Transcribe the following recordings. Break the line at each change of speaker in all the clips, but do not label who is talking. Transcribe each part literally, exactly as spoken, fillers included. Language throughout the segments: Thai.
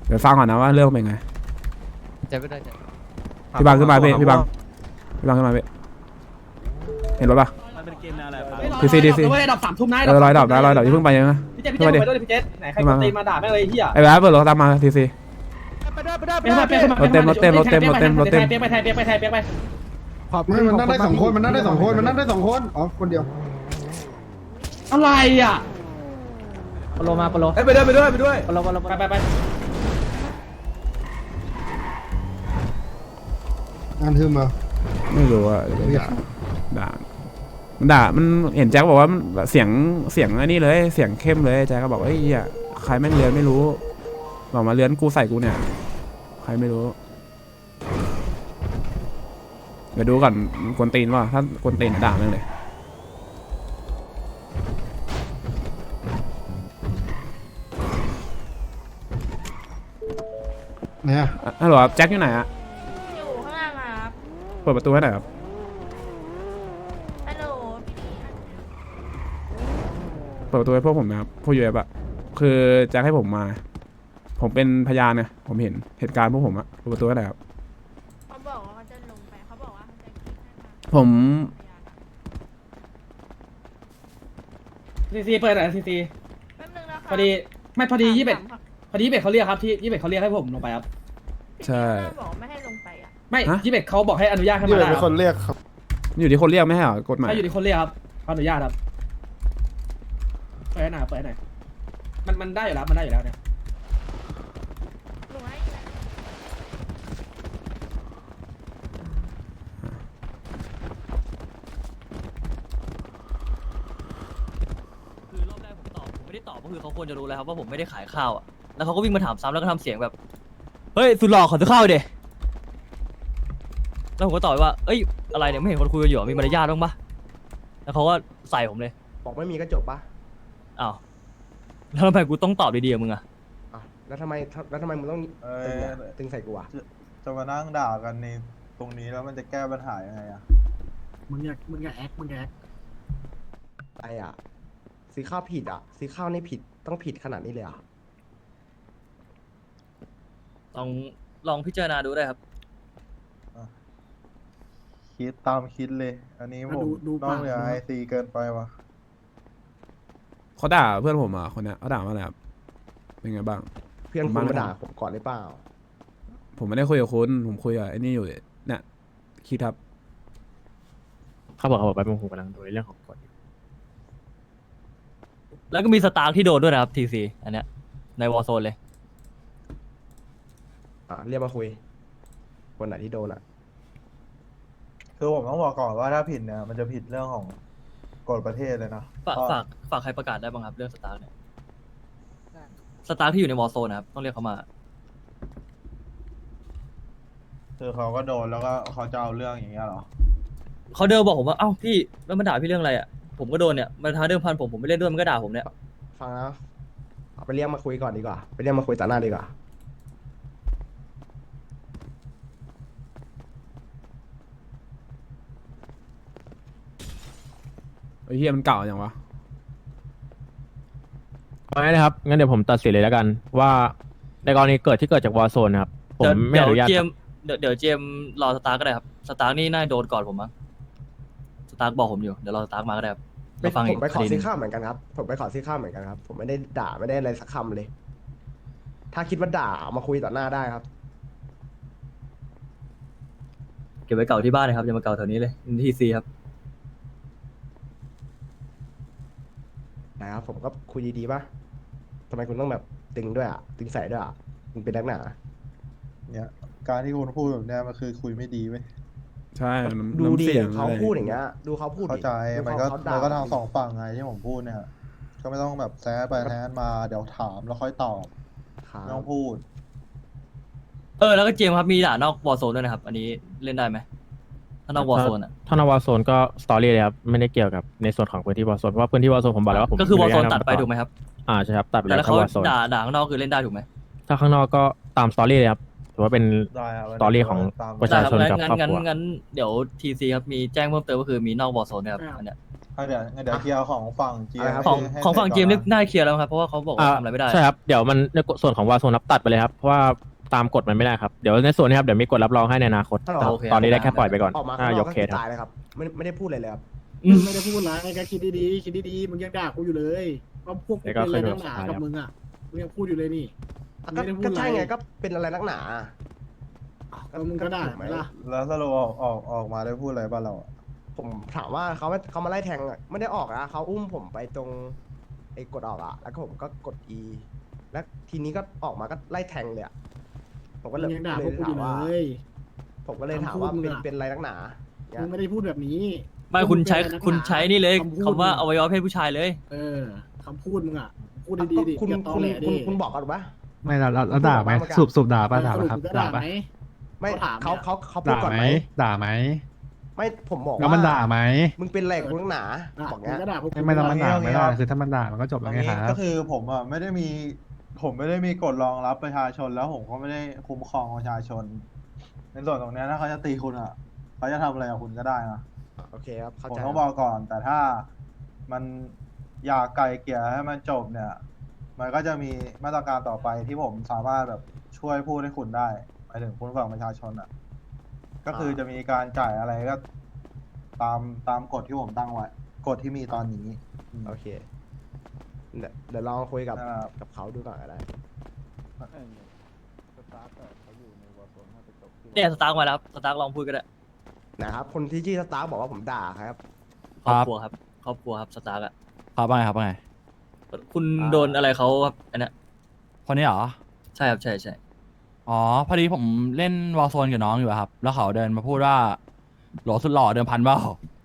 เดี๋ยวฟังก่อนนะว่าเรื่องเป็นไง
จะไม่ได้จะ
พี่บังขึ้นมาพี่พี่บังพี่บังขึ้นมาพี่เห็นรถปะ
มันเป็นเกมแนวอะไรครับ
ทีซีทีซี
ไม่ได้ดับสามทุ่มนะ
เออร้อยดอกนะร้อยดอกอย่าเพิ่งไปยังนะ
พี่เจพี่เจไปด้วยพี่เจไหนใครตีมาด่าแม่งเลยเฮีย
ไอ้แบ๊บเปิดรถตามมาทีซี
ไปด้วยไปด้วยไปด้วยไปไปไทยเปียกไปไทยเปียกไป
ไม่มันนั่งได้สองคนมันนั่งได้สองคนมันนั่งได้สองคนอ๋อคนเดียว
อะไรอ่ะ
ปโลมาปโล
ไปด้วยไปด้วยไปด้วย
ปโลปโล
ไปไปไป
งานทึมมา
ไม่รู้ว่าด่าด่ามันด่ามันเห็นแจ็คบอกว่าเสียงเสียงอันนี้เลยเสียงเข้มเลยแจ็คก็บอกเฮ้ยใครแม่งเลือนไม่รู้บอกมาเลือนกูใส่กูเนี่ยใครไม่รู้เดี๋ยวดูก่อนกวนตีนว่าถ้ากวนตีนด่าแม่งเลย
เนี่ย
ฮัลโหลแจ็คอยู่ไหนอะ
อยู่ข้างล่างครับ
เปิดประตูให้หน่อยครับ
ฮัลโหล
เปิดประตูให้พวกผมนะครับพวกยูเอฟอะคือแจ็คให้ผมมา ผมเป็นพยานเนี่ยผมเห็นเหตุการณ์พวกผมอะเปิดประตูให้หน่อยครับ
เขาบอกว่าเขาจะลงไปเขาบอกว่าเขาจะคิดให้มา
ผม
ซีซีเปิดหน่อยซีซี
แป๊บนึงนะคะ
พอดีไม่พอดียี่สิบเอ็ดพอดียี่สิบเอ็ดเขาเรียกครับที่ยี่สิบเอ็ดเขาเรียกให้ผมลงไปครับ
ใช่
บอกไม่ให้ลงไปอ่ะ
ไม่ยี่สิบเอ็ดเขาบอกให้อนุญาตให้
นี่
มา
แหละ
ได้
เป็นคนเรียกครับ
อยู่ที่คนเรียกไม่ใช่เหรอกฎหมาย
ถ้าอยู่ที่คนเรียกครับเขาอนุญาตครับเปิดหน่อยเปิดหน่อยมันมันได้อยู่แล้วมันได้อยู่แล้วเนี่ย
ลงให้
คือรอบแรกผมตอบผมไม่ได้ตอบก็คือเขาควรจะรู้แล้วครับว่าผมไม่ได้ขายข้าวอ่ะแล้วเขาก็วิ่งมาถามซ้ำแล้วก็ทำเสียงแบบเฮ้ยสุดหล่อขอซื้อข้าวเดยแล้วผมก็ตอบไปว่าเอ้ยอะไรเนี่ยไม่เห็นคนคุยกันอยู่มีมารยาทบ้างปะแล้วเขาก็ใส่ผมเลย
บอกไม่มีก็จบปะ
อ้าวแล้วทำไมกูต้องตอบดีๆกับมึงอะ
อ่ะแล้วทำไมแล้วทำไมมึงต้อง
เอ้
ตึง
ย
อะตึงใส่กูอ่ะ
จะมานั่งด่ากันในตรงนี้แล้วมันจะแก้ปัญหายังไงอะ
มึงอย่ามึงอย่าแอคมึงอย่าแอค
อะไรอ่ะซื้อข้าวผิดอ่ะซื้อข้าวนี่ผิดต้องผิดขนาดนี้เลยอ่ะ
ลองลองพิจารณาดูได้ครับ
คิดตามคิดเลย อันนี้ผมต้องเหลือไอซีเกินไปวะ
เขาด่าเพื่อนผมอ่ะคนเนี้ยเขาด่าว่าอะไรครับเป็นไงบ้าง
เพื่อนคุณมาด่าผมก่อนหรือเปล่า
ผมไม่ได้คุยกับคุณผมคุยกับไอ้นี่อยู่เนี่ยคิดครับ
เขาบอกเขาบอกไปผมกำลังดูเรื่องของกฎ
แล้วก็มีสตาร์ที่โดนด้วยนะครับทีซีอันเนี้ยในวอร์โซนเลย
อ่ะเรียกมาคุยคนไหนที่โดนอ่ะ
คือผมต้องบอกก่อนว่าถ้าผิดเนี่ยมันจะผิดเรื่องของกฎประเทศเลยนะ
ฝากฝากฝากใครประกาศได้บ้างครับเรื่องสตาร์เนี่ยสตาร์ที่อยู่ในวอร์โซนนะครับต้องเรียกเขามา
คือเขาก็โดนแล้วก็เขาจะเอาเรื่องอย่างเงี้ยเหรอ
เขาเดินบอกผมว่าเอ้าพี่แล้วมันด่าพี่เรื่องอะไรอ่ะผมก็โดนเนี่ยมันท้าเดิมพันผมผมไม่เล่นด้วยมันก็ด่าผมเนี่ย
ฟังนะเอาไปเรียกมาคุยก่อนดีกว่าไปเรียกมาคุยต่อหน้าดีกว่า
ไอ้เฮียมันเก่าอย่างวะ
เอาง่ายนะครับงั้นเดี๋ยวผมตัดสินเลยแล้วกัน ว่าในกรณีเกิดที่เกิดจากวอร์โซนนะครับผม
เดี๋ยว
ไม่
เดี๋ย
อ
ว
นุญาต
เจมส์เดี๋ยวเดี๋ยวเจมส์รอสตาร์ก็ได้ครับสตาร์นี่น่าโดนก่อนผมมั้งสตาร์บอกผมอยู่เดี๋ยวรอสตาร์มาก็ได้ครับ
ไม่
มาฟัง
ผ
อีก
มไปขอ
คดีห
ซื้
นึ่
อง ข้าวเหมือนกันครับผมไปขอซื้อข้าวเหมือนกันครับผมไม่ได้ด่าไม่ได้อะไรสักคำเลย ถ้าคิดว่าด่าเอามาคุยต่อหน้าได้ครับ
เก็บไว้เก่าที่บ้านเลยครับอย่ามาเก่าแถวนี้เลยทีซีครับ
นะครับผมก็คุยดีๆป่ะทำไมคุณต้องแบบตึงด้วยอ่ะตึงใส่ด้วยอ่ะคุณเป็นนักหนา
เนี่ยการที่คุณพูดแบบเนี้ยมันคือคุยไม่ดีเว้ย
ใช่มัน
ดู
น้ำ
ดิ
เสียง
เขา
อะไร
พูดอย่างเงี้ยดูเขาพูดดิ
เข้าใจ
ดู
มัน
เขา
ก็
เขา
มั
ด่าน
ก็ทางสองฝั่งไงที่ผมพูดเนี่ย ก็ไม่ต้องแบบแซะไปแซะมาเดี๋ยวถามแล้วค่อยตอบ
ครับ
ไม่ต้องพูด
เออแล้วก็เจมส์ครับมีด่านอกวอร์โซนด้วยนะครับอันนี้เล่นได้ไหมถ้านอกวอร์โซนอ่ะ
ถ้านวอร์โซนก็สตอรี่เลยครับไม่ได้เกี่ยวกับในส่วนของพื้นที่วอร์โซนเพราะว่าพื้นที่วอร์โซนผมบอกแล้วว่าผม
ก็คือวอร์โซน
ม่
ตัด
นุญา
ไปถูกไหมครับ
อ่าใช่ครับตัดไป
แต่
แล้
แล้ว ว
เข้า
เขา
วอร์โซน
ด่าด่าข้างนอกคือเล่นได้ถูกไหม
ถ้าข้างนอกก็ตามสตอรี่เลยครับถือว่าเป็น
ได้ครับ
สตอรี่ของ ประชาชน
ได้
กับ
งั้น
ครอบ
งั้น
ครัว
งั้นเดี๋ยวทีซีครับมีแจ้งเพิ่มเติมก็คือมีนอกวอร์โซนนะครับอันเนี้ย
ออ่ะเดี๋ยวงั้นเดี๋ยวเคลียร์ของฝั่งเจีย
อะไรครับ
ของ
ให้
ของฝั่ง
ให้
เกม
ก่
นี่
อนนะ
น่าเคลียร์แล้วครับเพราะว่าเขาบอกว่าทำอะไรไม่ได้
ใช่ครับเดี๋ยวมันในส่วนของวาโซนรับตัดไปเลยครับเพราะว่าตามกฎมันไม่ได้ครับเดี๋ยวในส่วนนี้ครับเดี๋ยวมีกฎรับรองให้ในอนาคต
ถ้าเรา
โอเค
ตอนนี้ได้แค่ปล่อยไปก่อน
ออกมา
อ่า
ข้างน
ย
อก
ก
ก็
เค
คือ
สครับ
ตายเลยครับไม่ไม่ได้พูดอะไรเลยครับ
อืม
ไม่ได้พูดร้ายก็คิดดีๆคิดดีๆมึงยังด่ากูอยู่เลยว่าพวกกูเป็นอะไรนักหนากับมึงอ่ะมึงยังพูดอยู่เลยนี่
ก็
ไม่ได้พูด
ก็
อะไร
ใช่ไงก็เป็นอะไรนักหนา
ก็มึงก็ด่า
ถู
ไหมล่ะ
แล้วสรุปออกออกออกมาได้พูดอะไรบ้างเราอะ
ผมถามว่าเขาเขามาไล่แทงอะไม่ได้ออกนะเขาอุ้มผมไปตรงไอ้กดออกอะแล้วก็ผมก็กด E แล้วทีนี้ก็ออกมาก็ไล่แทงเลยอะผมก็
มึ
เลย
งยังด่า
เล
พวก
ย
กูอ
ถาม
ยู่เล
ว่า
ย
ผมก็เลยถามว่า
คำพูดมึ
เป็น
งอะ
เป็นอะไรนักหนาเนี่
มึ
ย
งไม่ได้พูดแบบนี้
ไม่คุณใช้
มึงเป็นอะไรนักหนา
คุณใช้นี่เลย
คำพูด
คำว่าอวัยวะเพศผู้ชายเลย
เออคำพูดมึงอ่ะพูดดีๆดิ
คุณ
อย่าตอ
คุณ
แหล
คุ
ดิ
ณคุณบอกกันปะ
ไม่เราเราเราด่าไหม
พูดออกมา
สูบสูบด่าป่ะด่า
ส
ป่ะ
รุป
ครับ
มึงก็
ด่า
ด่า
ป่ะ
ไหม
ไม่
เขาถาม
เขา
เนี่ย
เขาเขาพูด
ด่า
ก่อน
ไหม
ไหม
ด่าไหม
ไม่ผมบอก
แล้วมัน
ว่า
ด่าไหม
มึงเป็นอะไรกับกูนักหนา
อ่ะ
บอก
มึ
เงี้
ง
ย
ก็ด่าพวกกู
ไม่ไม่ต้องมันด่า
เอางี้
ไม่ได้
เอางี้
คือถ้ามันด่ามันก็จบ
ต
แล้
อ
วน ไง
นี้
ครั
ก็
บ
คือผมอ่ะไม่ได้มี ผมไม่ได้มีกฎรองรับประชาชนแล้วผมก็ไม่ได้คุ้มครองประชาชน ในส่วนตรงเนี้ยถ้าเขาจะตีคุณอ่ะเขาจะทำอะไรกับคุณก็ได้นะ
โอเคครับเข้า
ผม
ใจ
ต้องบอกก่อน แต่ถ้ามันอยากไกลเกลี่ยให้มันจบเนี่ย มันก็จะมีมาตรการต่อไปที่ผมสามารถแบบช่วยพูดให้คุณได้หมายถึงคุณฝั่งประชาชนอ่ะ ก็คือจะมีการจ่ายอะไรก็ ตามตามกฎที่ผมตั้งไว้กฎที่มีตอนนี้อืม
โอเคเดี๋ยวเดี๋ยวลองคุยกับ
นะครับ
กับเขาดูก่อนอะไร
เนี่ยสตาร์กมาแล้วครับสตาร์กลองพูดก็ได้
นะครับ คนที่ชื่อสตาร์บอกว่าผมด่าครับ
ครอบครัวครับครอบครัวครับสตาร์กอะ
ครับว่าไงครับว่าไง
คุณโดนอะไรเขาครับอันเนี้ย
คนนี้เหรอ
ใช่ครับใช่ใช่
อ๋อ พอดีผมเล่นวอลโซนกับน้องอยู่อะครับ แล้วเขาเดินมาพูดว่าโหลสุดหล่อเดิมพันเปล่า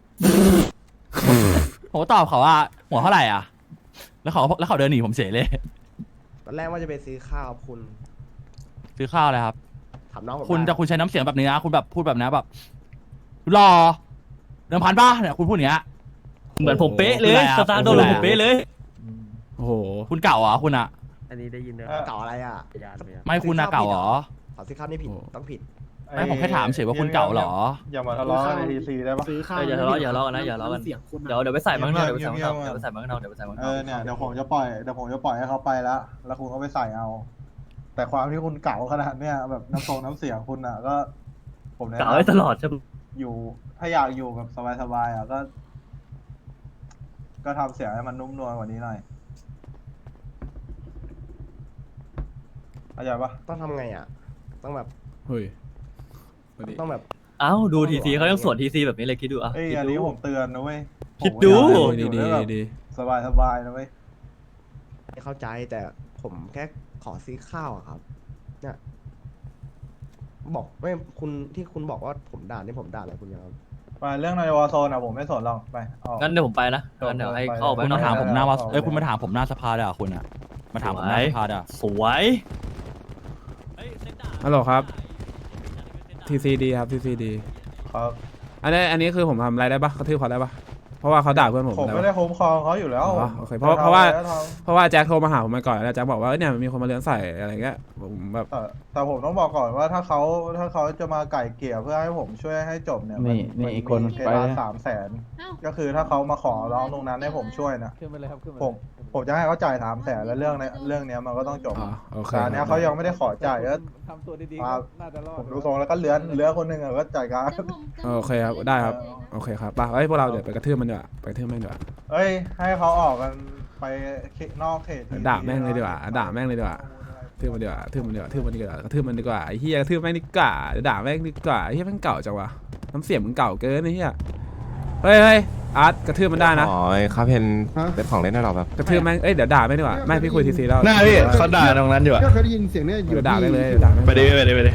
ผมก็ตอบเขาว่าหัวเท่าไหร่อ่ะ แล้วเขาแล้วเขาเดินหนีผมเฉยเลย
ตอนแรกว่าจะไปซื้อข้าวคุณ
ซื้อข้าวเลยครับ
ถามน้องผม
คุณ
ได้
จะคุณใช้น้ำเสียงแบบนี้นะ คุณแบบพูดแบบนี้แบบหล่อเดิมพันป่ะเนี่ยคุณพูดอย่างเงี้ย
เหมือนผมเป๊ะเลย
คืออะไรอะ
สตาร์กโดนเหมือนผมเป๊ะเลย
โอ้โห
คุณเก่าเหรอคุณอะ
เก่าอะไรอ่ะ
ไม่คุณนะเก่าเหรอ
ขอซื้อข้าวนี่ผิด
โอ้
ต้องผิด
ไม่ผมแค่ถามเฉยว่าคุณเก่าเหรอ
อย่ามาทะเลาะกันในทีซีได้ปะ
ซื้อข้าว
เอออย่าทะเลาะอย่าทะเลาะกันนะอย่าทะเลาะกัน
เสียงคุณอะ
เดี๋ยวเดี๋ยวไปใส่มังนอกเดี๋ยวไปใส่มังนอก
เงียบๆ
เดี๋ยวไปใส่มังนอกเดี๋ยวไปใส่มังน
เอ
อก
อเนี่ยเดี๋ยวผมจะปล่อยเดี๋ยวผมจะปล่อยให้เขาไปแล้วแล้วคุณก็ไปใส่เอา แต่ความที่คุณเก่าขนาดเนี้ยแบบน้ำทรงน้ำเสียงคุณอ่ะ ก็ ผมแนะ
กล่าวไว้
นำ
ตลอดใช่ปะ
อยู่ถ้าอยากอยู่แบบสบายๆอ่ะก็ ก็ทำเสียงให้มันนุ่มนวลกว่านี้หน่อยเข้าใจปะ
ต้องทำไงอ่ะ ต้องแบบ
เฮ้ยสวัสดี
ต้องแบบ
เอ้าดูทีซีเขายังสวนทีซีแบบนี้เลยคิดดูอ่ะ
เอ้ย
คิด
อัน
ดู
นี้ผมเตือนนะเว้ย
คิดดู
ผมก็อยากให้คุณอยู่
ดี
ได้แบบ
ดี
สบายๆนะเว้ย
ไม่เข้าใจแต่ผมแค่ขอซื้อข้าวอะครับ เนี่ย บอกไม่คุณที่คุณบอกว่าผมด่านี่ผมด่าอะไรคุณยังครับ
ไปเรื่องในวอร์โซนอ่ะผมไม่สนหรอกไปออก
งั้นเดี๋ยวผมไปนะงั้นเดี๋ยวให้เข้าไป
คุณ
นอ
มาก ถามผมหน้าว่า
เอา
เอ้ยคุณมาถามผมหน้าสภาเด้อคุณอะมาถามผมหน้าสภาเด้อ
สวย
ฮัลโหลครับ ทีซีดีครับทีซีดี
ครับ
อันนี้อันนี้คือผมทำอะไรได้ปะกระทืบเขาได้ปะเพราะว่าเขาด่าเพื่อนผม
ผม
ได้
ไม่
ปะ
ได้คุ้มครองเขาอยู่แล้ว
อ๋อโอเคเพราะเพราะว่า
จทำอไก็ทำ
เพราะว่าแจ็คโทรมาหาผมมาก่อนแล้วแจ็คบอกว่าเอ้ยเนี่ยมีคนมาเลื้อนใส่อะไรเงี้ยผมแบบ
แต่แต่ผมต้องบอกก่อนว่าถ้าเขาถ้าเขาจะมาไก่เกลี่ยเพื่อให้ผมช่วยให้จบเนี่ย
นี่
มั
นี่อีกคน
มีเพ
ไป
ดาน
นะ
สามแสน
เอ้า
ก็คือถ้าเขามาขอร้องตรงนั้นให้ผมช่วยนะ
ขึ้นไปเลยครับขึ้นไป
ผมผมจะให้เขาจ่ายสามแสนแล้วเรื่องเนี้ยเรื่องเนี้ยมันก็ต้องจบ
อ๋อโอเค
แต่อันเนี้ยเขายังไม่ได้ขอจ่ายก็
ทำตัวดี
มา
ๆน่าจะรอด
ผมดูทรงแล้วก็เลื้อนเลื้อนคนหนึ่งอะก็จ่ายการ
เดี๋ยวผมจะ
โอเคครับได้ครับโอเคครับไปเอ้ยพวกเราเดี๋ยวไปกระทืบมันดีกว่าไปกระทืบแม่งดีกว่า
เอ้ยให้เขาออกกันไปนอกเขต
ด่าแม่งเลยดีกว่าด่าแม่งเลยดีกว่า ทืบมันดีกว่าทืบมันดีกว่าทืบมันดีกว่ากระทืบมันดีกว่าไอ้เฮียกระทืบแม่งดีกว่าเดี๋ยวด่าแม่งดีกว่าไอ้เฮียแม่งเก่าจังวะน้ำเสียงมึงเก่าเกินไอ้เฮียเฮ้ยเฮ้ยอาร์ตกระทืบมันได้นะ
อ๋อครับเพนเป็นของเล่นให้เราแบบ
กระทืบแม่งเอ้ยเดี๋ยวด่าแม่งดีกว่าไม่พี่คุยทีซีแล้ว
หน้าพี่เขาด่าตรงนั้นอยู่อะก็เคยได้ยินเสียงเนี่ยอยู่
เดี๋ยวด่าแม่งเลย
ที่
เดี๋ยวด่าแม่ง
ไปดิไปดิไปดิ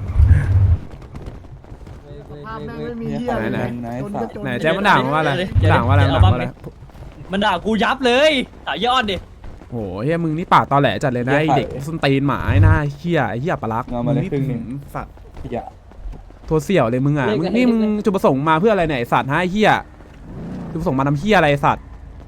ภาพแม่งไม่มีเหี้ย
ไหน
เลย
ไหน
จนก็จน
ไหนแจ๊คมันด่ามาว่าอะไรด่าว่าอะไรด่าว่าอะไร
มันด่ากูยับเลยด่ายอดดิ
โหเฮียมึงนี่ปากตอแหลจัดเลยนะไอเด็กส้นตีนหมาไอ้หน้าเฮียไอ้เฮียปลาลักมึงนี่หืมสัตว์โทรเสี่ยวเลยมึงอ่ะมึงนี่มึงจุดประสงค์มาเพื่ออะไรเนี่ยไอสัตว์ฮะไอ้เฮียจุดประสงค์มาทำเฮียอะไรไอ้สัตว์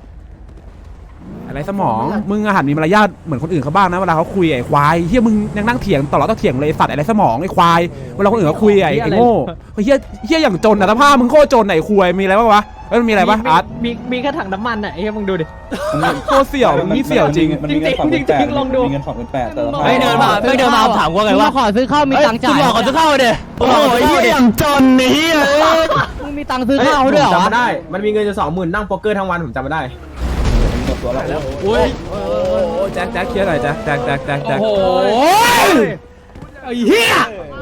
อะไรสมองมึงอาหารมีมารยาทเหมือนคนอื่นเขาบ้างนะเวลาเขาคุยไอ้ควายเฮียมึงยังนั่งเถียงตลอดต้องเถียงเลยไอ้สัตว์อะไรสมองไอ้ควายเวลาคนอื่นเขาคุยไอ้ไอ้โง่เฮียเฮียอย่างจนอ่ะสภาพมึงโคตรจนไอ้ควายมีอะไรบ้างวะเอ้ยมันมีอะไรปะอาร์ต
มีมีแค่ถังน้ำมันอ่ะไอ้เหี้ยมึงดูดิ
โคตรเสี่ยวมันมีเสี่ยวจริง
จริงจริงจริงลองดู
มีเงินสองหมื่นแปดแต่ละ
ไม่เดินมาไม่เดินมาถามว่าไงวะขอซื้อข้าวมีตังค์จ่ายขอซื้อข้าวเด้โอ้ยเหี้ยอย่างจนนี่มึงมีตังค์ซื้อข้าวด้วยเหรอ
จำไม่ได้ มันมีเงินจะสองหมื่นนั่งโป๊กเกอร์ทั้งวันผมจำไม่ได้
โอ้ย
โอ้แจ็คแจ็คเคลียร์หน่อยแจ็คแจ็คแจ็คแจ็คแจ็ค
โอ้โหไอ้เหี้ย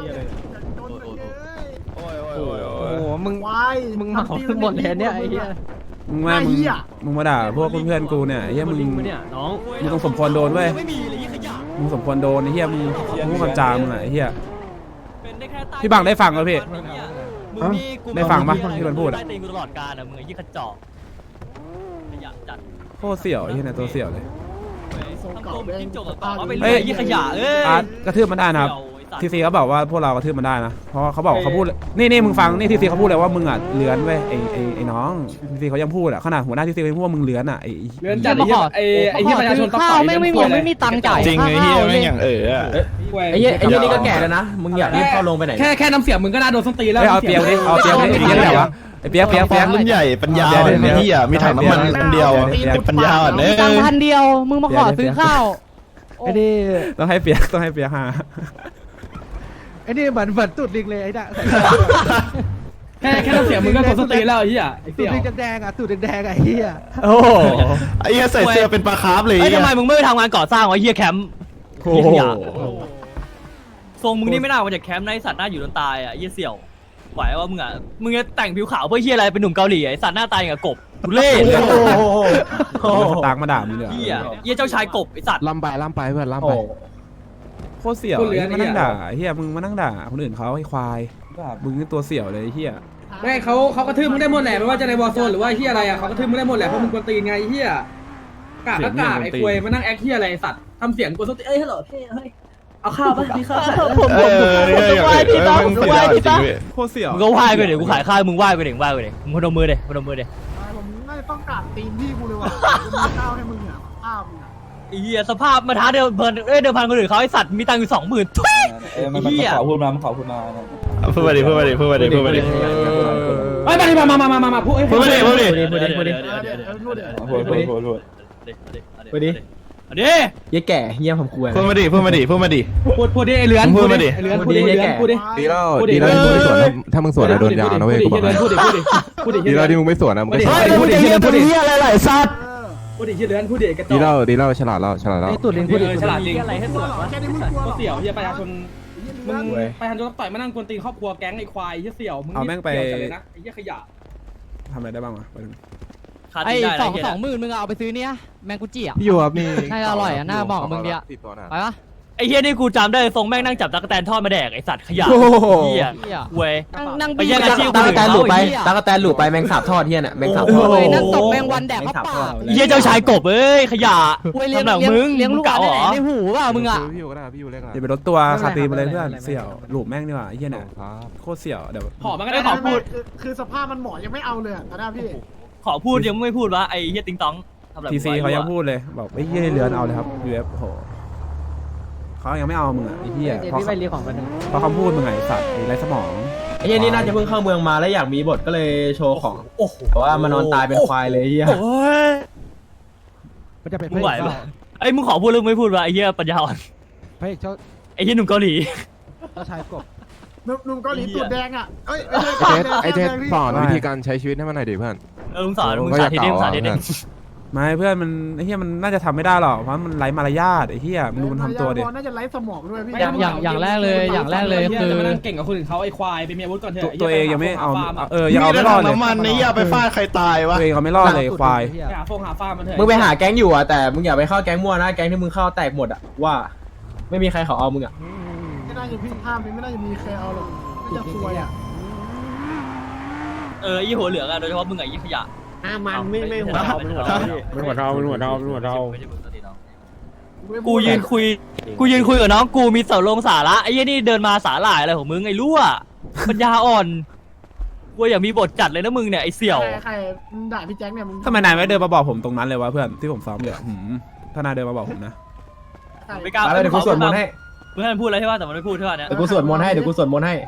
โอ้โหมึงมึงมาของหมดเลยเนี่ยไอ้เหี้ย
มึงมามึงมึงมาด่าพวกเพื่อนๆกูเนี่ยไอ้เหี้ยมึง
เนี่ยน้อง
มึงต้องสมควรโดนเว้ย
ไม่มีเลยยี่ขยะ
มึงสมควรโดนไอ้เหี้ยมึงมึงมันจามมึงอะไอ้เหี้ย
เป็นได้แค่ใต้
พี่บังได้ฟังไหมพี่
มึงมีกู
ได้ฟังปะที่มันพูดอะ
ใต้ตีนกูตลอดกาลอะมึงไอ้ยี่ขจอกขยะจัด
โคตรเสี่ยวไอ้เหี้ยเนี่ยตัวเสี่ยวเลย
ทำตัวเป็นจิ้งจกกับต่อว่าเป็น
เอ้ย
ยี่ขยะเอ้ย
อาร์ตกระทืบมันได้นะครับทีซีเขาบอกว่าพวกเรากระทืบมันได้นะเพราะเขาบอกเขาพูดนี่นี่มึงฟังนี่ทีซีเขาพูดเลยว่ามึงอ่ะเลื้อนเว้ยไอ้ไอ้ไอ้น้องทีซีเขายังพูดอ่ะขนาดหัวหน้าทีซีเขายังพูดว่ามึงเลื้อนอ่ะไอ้
เรื่องจัดไอ้ไอ้ไอ้ที่ประชาชนต้องต่อยไม่ไม่มีไม่มีตังค์จ่าย
จริงไอ้เหี้ยไม่อย่างเออ
ไอ้เหี้ยไอ้เหี้ยนี่ก็แก่แล้วนะ มึงอยากรีบเข้าลงไปไหน
แค่แค่น้ำเสียงมึงก็น่าโดนส้นตีนแล้ว
เอ้ยเอาเปียกดิเอาเปียกดิไอ้เปียกไหนวะไอ้เปียกเปียกเปียก
รุ่นใหญ่ปัญญาอ่อนไอ้เหี้ยมีถังน้ำมันอันเดียวปัญญาอ่อนเน
ตังค์พันเดียวมึงมาขอซื้อข้าว
ไอ้นี่ต้องให้เปียกต้องให้เปียกหา
ไอ้นี่เหมือนเหมือนตุดลิงเลยไอ้น่ะ
แค่แค่น้ำเสียงมึงก็โดนส้นตีนแล้วไอ้เหี้ยไอ้
ตุ
เสี่
ด
ยว
ลิงแดงๆอ่ะตุดแดงๆอ่ะไอ้เหี้ย
โอ้โห
ไอ้เหี้ยใส่เสื้อเป็นปลาคาร์ฟเลย
เอ้ยทำไมมึงไม่ไปทำงานก่อสร้างวะเหี้ยแคมป์
โอ้โห
ทรงมึงนี่ไม่น่ามาจากแคมป์นะไอ้สัตว์หน้าอยู่จนตายอ่ะไอ้เหี้ยเสี่ยวไหวว่ามึงอ่ะมึงจะแต่งผิวขาวเพื่อเหี้ยอะไรเป็นหนุ่มเกาหลีไอ้สัตว์หน้าตายอย่างกับกบทุเล่
สตาร์กมาด่ามึงเลย
เหี้ยเหี้ยเจ้าชายกบไอ้สัตว์
ล่ำไปล่ำไปเพื่อนล่ำไป
โคตรเสี่ยวไอ้มานั่งด่าเฮียมึงมานั่งด่าคนอื่นเขาไอ้ควายมึงนี่ตัวเสี่ยวเลยเฮีย
ไม่เขาเขากระทืบมึงได้หมดแหละไม่ว่าจะในวอร์โซนหรือว่าเหี้ยอะไรอ่ะเขากระทืบมึงได้หมดแหละเพราะมึงกวนตีนไงเหี้ยกากก็กากไอ้ควยมานั่งแอคเหี้ยอะไรสัตว์ทำเสียงกวนส้นตีนเอ้ยฮัลโหลเฮ้ยเฮ้ยเอาข้าวป่ะมีข้าว
ผมผมผมไหว้พี่ต้องผมไหว้พี่ต้อง
โคตรเสี่ยว
มึงก็ไหว้ไปเดี๋ยวกูขายข้าวมึงไหว้ไปเดี๋ยวไหว้ไปเดี๋ยวมึงพนมมือเดี๋ยวพนมมือเดี๋ยว
ผมน่าจะต้องกราบตีนพี่กูเลยว่ะมีข้าวให้มึงอ่ะข้าวมึงอ่ะ
ไอ้เหี้ยสภาพมาท้าเดิมเพิ่นเอ้ยเดิมพันคนอื่นเขาไอ้สัตว์มีตังค์อยู่สองหมื่นทุย
เออมันมันขอพูดมามันขอพูดมา
พูดมาดิพูดมาดิพูดมาดิพูดมาดิ
เฮ้ยมาดิมามามามามามาพูด
พูดมาดิพูดมาดิ
พูดดิพูดดิ
พูดพูดพูดพูด
พูดดิอันนี้
เหี้ยแก่เหี้ยผมกลัว
พูดมาดิพูดมาดิพูดมาดิ
พูดพูดดิไอ้เลือน
พูดมาดิ
ไอ้เลือนพูดดิไอ้เลือนพูดดิ
ดีแล้วดีแล้วที่มึงไม่สวนนะถ้ามึงสวนนะโดนยาวนะเว้ยกูบอกให้
พูดดิพูดดิพูดดิ
ดีแล้วที่มึงไม่สวนนะมึงก็
พูดดิพูดดิพูดดิ
เหี้ยอะไรหลายสัตว์
พูดดิเลือนพูดดิกระจ
ดี
อก
แล้วดีแล้วฉลาดแล้วฉลาดแล้ว
ตุ่นลิงพูดดิฉลาดจริง
อะไรให้สวย
แค่นี้มึงกลัวหรอ
เสี่ยวเฮียประชาชนมึงประชาชนต้องต่อยมานั่งกวนตีนครอบครัวแก๊งไอ้ควายเฮียเสี่ยวมึงเสี่ยวจัดเลยนะไอ้เฮียขยะ
ทำอะไรได้บ้างวะ
ไอ้สองสองหมื่นมึงเอาไปซื้อเนี่ยแมงกุจิอ่ะ
พี่อยู่ครับนี่
น่าจะอร่อยอ่ะน่าบอกกับมึงดิอ่ะ
ติดตัวนะ
ไปปะไอ้เฮียนี่กูจำได้ทรงแม่งนั่งจับตะกั่วแตนทอดมาแดกไอ้สัตว์ขยะ
โอ้โห
เฮียเว้ย
นั่ง
ไปแย่งอาชีพ
ตากแตนหลุดไป
คนอื่นเขา
ตากแตนหลุดไปแมงสาบทอดเฮียน่ะแมงสาบทอด
โอ้ยนั่
นั่
ง
ง
ต
ต
ก
ก
แม
แม
ง
ง
วั
วัน น
แด
แด
ก
ก
เข้า
เข้า
ปา
ปาก ก
เฮียเจ้าชายกบเอ้ยขยะ
เลี้ยง
สำหรับ
เลี้ยง
มึง
เลี้ยงลูก
เก่า
ใน
เหรอ
ในหูว่ามึงอ่ะ
พี่อยู่ก็ได้พี่อยู่เล็กอะ
อย่าไปรถตัวคาตีมาเลยเพื่อนเสี่ยวหลูบแม่งดีกว่าไอ้เหี้ยเนี่ย
ครับ
โคตรเสี่ยวเดี๋ยว
หอมมันก็
ไม่
ได้
ขอพูด
คือสภาพมันหมอยังไม่เอาเลยอ่ะตอนนี้พี่
ขอพูดยังไม่พูดวะไอ้เฮียติงตองทำอะไร
ทีซี
กู
เขา
ไว้
ยัง
วะ
พูดเลยบอกไอ้เหี้ยเรือนเอาเลยครับ ยู เอฟ โหเขายังไม่เอามึงอ่ะไอ้เหี้ยเพราะเพราะคำพูดมึงไงสัตว์ไอ้ไรสมอง
ไอ้เฮียนี่น่าจะเพิ่งเข้าเมืองมาแล้วอยากมีบทก็เลยโชว์ของแต่ว่ามานอนตายเป็นควายเลยเฮีย
โอ้ยมึงไหวปะไอ้มึงขอพูดหรือไม่พูดวะไอ้เหี้ยปัญญาอ่อนไอ้เหี้ยหนุ่มเกาหลี
หนุ่มหนุ่มเกาหลีตูดแดงอ่ะเอ้ย
ไอเทสไอเทส
แดงพี่
สอนวิธีการใช้ชีวิตให้มันหน่อยดิเพื่อน
เออมึงสอนมึงสาธิตดิมึงสาธิตดิ
ไม่เพื่อนมันไอ้เหี้ยมันน่าจะทำไม่ได้หรอกเพราะมันไร้มารยาทไอ้เหี้ยมึงดูมันทำตัวดิ
น่าจะไร้สมองด้วยพี่
อย่างอย่างอย่างแรกเลยอย่างแรกเลยคือ
จะมานั่งเก่งกับคนอื่นเขาไอ้ควายไปมีอาวุธก่อนเถ
ตัว
อะ
ตัวเองยังไม่เอา
ฟาร์ม
เออยังเอาไม่รอดเลย
น้ำมันนี่อย่าไปฟาดใครตายวะ
ตัวเองเขาไม่รอดเลยควาย
หาฟงหาฟาร์มมันเถอะ
มึงไปหาแก๊งอยู่อ่ะแต่มึงอย่าไปเข้าแก๊งมั่วนะแก๊งที่มึงเข้าแตกหมดอ่ะว่า ไม่มีใครเขาเอามึงอ่ะ
ไม่น่าจะพี่ภาพนี้ไม่น่าจะมีใครเอาหรอกน่าจะซวยอ่ะ
เออไอ้หัวเหลืองอะโดยเฉพาะมึงไอ้ยี่ขยะ
อ่ามันไม่ไม่หัว
เรา
เรา
ไม่หัวเราไม่หัวเราไม่หัวเราไม่หัวเรา
ไม่
กูยืนคุยกูยืนคุยกับน้องกูมีเสาลงสาระไอ้ยี่นี่เดินมาสาหร่ายอะไรของมึงไอ้รั่วปัญญาอ่อนกูอยากมีบทจัดเลยนะมึงเนี่ยไอ้เสี่ยว
ใครด่าพี่แจ็คเนี่ยมึง
ทำไมนายไม่เดินมาบอกผมตรงนั้นเลยวะเพื่อนที่ผมซ้อมเลยหืมถ้านายเดินมาบอกผมนะ
ไม่กล้า
แล้วเดี๋ยวกูสวดมนต์ให้
เพื่อนพูดอะไรใช่ป่ะแต่มันไม่พูดใช่ป่ะเนี่ย
เดี๋ยวกูสวดมนต์ให้เดี๋ยวกูสวดมนต์ให้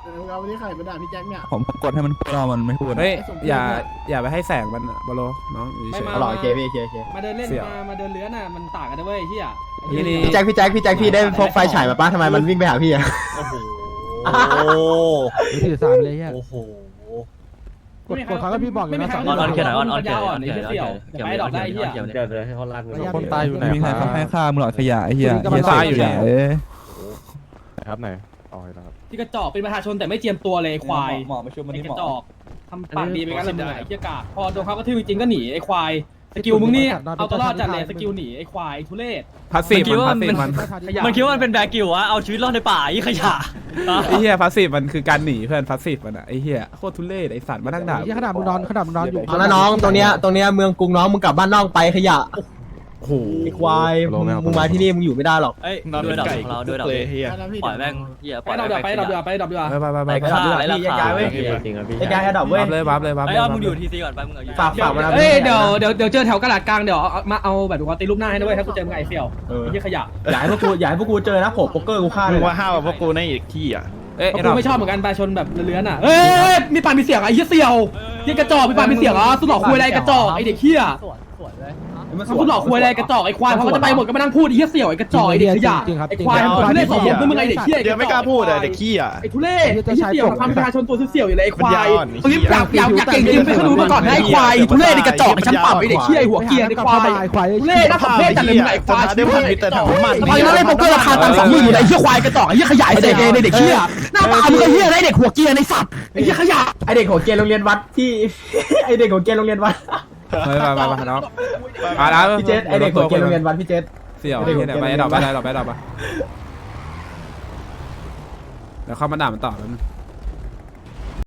เออเอาวันนี้ใครไปด่าพี่แจ็คเนี่ย
ผมกดให้มันพูดเรามันไม่พูด
เฮ้ยอย่าอย่าไปให้แสงมันอะบอลโลน้องอยู่
ไม่
เฉย
มา
ๆ
มามาเดินเล่นมามาเดินเลื้อนอ่ะมันต่างกันนะเว้ยเฮีย
นี่นี่
พี่แจ็คพี่แจ็คพี่แจ็คพี่ได้พกไฟฉายมาป้าทำไมมันวิ่งไปหาพี่อะ
โอ้โห
ถือสามเลยเฮีย
โอ้โห
กดกดเขาก็พี่บอกอยู่นะ
ออนออนเขียนหน่อยออนออนเขียนหน่อย
อ่อนไอ้เสี่ยวไปดอกได้เฮีย
เดี๋ยวเดี๋ยวให้เขาลั่น
คนตายอยู่ไหน
มีใครเขาให้ค่ามึงหลอดขยะไอ้เฮีย
เฮียตายอยู่เนี่ย
เอ้ย
ไหนครับไหนอ๋อเห็นแล้วครับ
ที่กระจอกเป็นประชาชนแต่ไม่เจียมตัวเลยควาย
หมอมาช่วยมัน
ไอ้
นี่
ก
หม
ระ
อ
จอกทำปากดีไปงั้นเลยมึงไอ้เหี้ยกาพอโดนเขากระทืบจริงๆก็หนีไอ้ควายสกิลมึงนี่เอาตัวรอดจัดเลยสกิลหนีไอ้ควายทุเรศ
พาสซีฟมันพาสซีฟมัน
มันคิดว่ามันเป็นแบกิวอะเอาชีวิตรอดในป่าไอ้ขยะ
ไอ้เหี้ยพาสซีฟมันคือการหนีเพื่อนพาสซีฟมันอะไอ้เหี้ยโคตรทุเรศไอ้สัตว์มานั่งด่า
ขนาดมึงนอนขนาดมึงนอนอยู่
เอาละน้องตรงเนี้ยตรงเนี้ยเมืองกรุงน้องมึงกลับบ้านนอกไปขยะ
โอ้โห
ไอ้ควายมึงมึงมาที่นี่มึงอยู่ไม่ได้หรอก
เอ้ยด้วยดอกของเราด้วยดอกปล่อยแม่งเหี้ยป
ไป
ล่อย
ดอกเดียวไปดอกเดียวไปดอกเดียว
ไปไปไปไป
ไป
ไป
ฆ่าไอ้ราคาเว้ย
จริงครับพี่ไอ้กายดอกเว้ย
วับเลยวับเลยวับ
ไอ้
เลย
ยอดมึงอยู่ทีซีก่อนไปมึงเอาอยู่
ฝากฝากมา
เอ้ยเดี๋ยวเดี๋ยวเดี๋ยวเจอแถวกระดาษกลางเดี๋ยวมาเอาแบบดูตีรูปหน้าให้ด้วยถ้ากูเจอมึงไอ้เสี่ยวไอ้เหี้ยขยะ
อย่าให้พวกกูอย่าให้พวกกูเจอนะผมโป๊กเกอร์กูฆ่าเลย
ว่าห้าวพวกกูในอีกที่อ่ะ
เอ้ย
กู
ไอ้ดอก
ไม่ชอบเหมือนกันประชาชนแบบเลื้อนอ่ะเอ้ยมีปากมีเสียงไอ้เหี้ยเสี่ยวยี่กระจอกมีปากมีเสียงอ่ะสุดหลอกคุยอะไรกระจอกไอ้เด็กเหี้ย มันสุดหลอกคุยอะไรกระจอกไอ้ควายพอเขาจะไปหมดก็มานั่งพูดไอ้เหี้ยเสี่ยวไอ้กระจอกไอ้เด็กขยะไอ้ควายมันทุเรศสองผมมึงไอ้เด็กเหี้ย
เดี๋ยวไม่กล้าพูดอ่ะเด็กขี้อ่ะ
ไอ้ทุเรศไอ้เหี้ยเสี่ยวทำประชาชนตัวเสี่ยวอยู่เลยไอ้ควาย
ปัญญาอ่อน
เฮ้ยอยากอยากอยากเก่งจริงไปขนุนมาก่อนนะไอ้ควายทุเรศไอ้กระจอกไอ้ชั้นปรับไอ้เด็กเหี้ยไอ้หัวเกียร์ไอ้ควายทุเรศน่าสมเพชจัดเลยมึงไอ้ควาย
ได้พูดมีแต่ถามมัน
ทำไมนั่นไอ้โป๊กเกอร์ราคาตังค์สองหมื่นอยู่ไอ้เหี้ยควายกระจอกไอ้เหี้ยขยะไอ้เด็กไอ้เด็กเหี้ยหน้าตามึงไอ้เหี้ยไอ้เด็กหัวเกียร์ไอ้สัตว์ไอ้เหี้ยขยะ
ไอเด็กหัวเกรียนโรงเรียนวัดที่ ไอเด็กหัวเกรียนโรงเรียนวัด
ไปไปไปไปน้องมาแล้ว
พี่เจษไอเด็กหัวเกรียนโรงเรียนวัดพี่เจษ
เสี่ยวไอ้เหี้ยเนี่ยไปไอ้ดอกไปไอ้ดอกไปไอ้ดอกไปเดี๋ยวเข้ามาด่ามันต่อแล้ว